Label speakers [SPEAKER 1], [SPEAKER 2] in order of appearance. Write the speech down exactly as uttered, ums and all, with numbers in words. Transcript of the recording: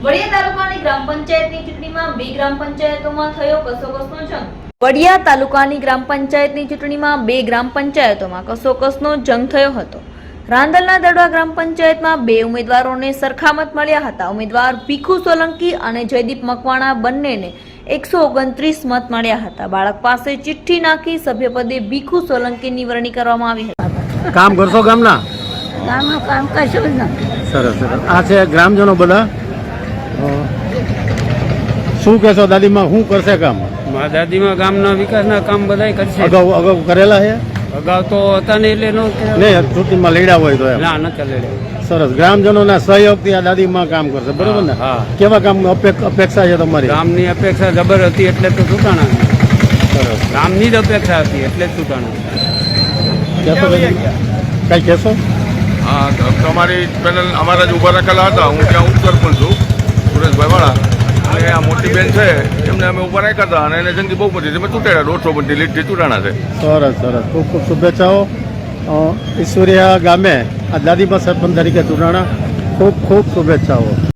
[SPEAKER 1] વડિયા તાલુકાની ગ્રામ પંચાયતની ચૂંટણીમાં બે ગ્રામ પંચાયતોમાં થયો કસોકસનો જંગ. વડિયા તાલુકાની ગ્રામ પંચાયતની ચૂંટણીમાં બે ગ્રામ પંચાયતોમાં કસોકસનો જંગ થયો હતો. રાંદલના દડવા ગ્રામ પંચાયતમાં બે ઉમેદવારોને સરખામત મળ્યા હતા. ઉમેદવાર ભીખુ સોલંકી અને જયદીપ મકવાણા બંનેને એકસો ઓગણત્રીસ મત મળ્યા હતા. બાળક પાસે ચિઠ્ઠી નાખી સભ્યપદે ભીખુ સોલંકીની વરણી કરવામાં આવી હતી.
[SPEAKER 2] કામ કરશો ગામના?
[SPEAKER 3] ગામનું કામ કશું જ નથી.
[SPEAKER 2] સરસ સરસ. આ છે ગ્રામજનો બધા. શું કહેશો દાદીમાં, શું કરશે કામ?
[SPEAKER 4] મારા દાદીમાં ગામના વિકાસના કામ બધાય કરશે.
[SPEAKER 2] અગાઉ અગાઉ કરેલા છે?
[SPEAKER 4] અગાઉ તો હતા ને એટલે નો
[SPEAKER 2] નહીં, ચૂંટણીમાં લડ્યા હોય તો એમ.
[SPEAKER 4] ના નતા લેડે.
[SPEAKER 2] સરસ. ગ્રામજનોના સહયોગથી આ દાદીમાં કામ કરશે, બરોબર ને?
[SPEAKER 4] હા.
[SPEAKER 2] કેવા કામ અપેક્ષા છે તમારી?
[SPEAKER 4] ગામની અપેક્ષા જબર હતી એટલે તો ચૂંટાણા.
[SPEAKER 2] સરસ.
[SPEAKER 4] ગામની જ અપેક્ષા હતી એટલે જ ચૂંટાણા.
[SPEAKER 2] કહેશો કઈ કહેશો?
[SPEAKER 5] હા, તમારી પેનલ અમારા જ ઊભા રાખેલા હતા. હું ત્યાં ઉપસરપંચ છું, સુરેશભાઈ વાળા. અને આ મોટી બેન છે એમને અમે ઊભા રાખ્યા હતા અને એને જંગી બહુ બધી અમે ચૂંટાડ્યા. દોઢસો બધી લીટથી ચૂંટાણા છે.
[SPEAKER 2] સરસ સરસ. ખૂબ ખૂબ શુભેચ્છાઓ. ઈશ્વરિયા ગામે આ દાદીમાં સરપંચ તરીકે ચૂંટાણા. ખૂબ ખૂબ શુભેચ્છાઓ.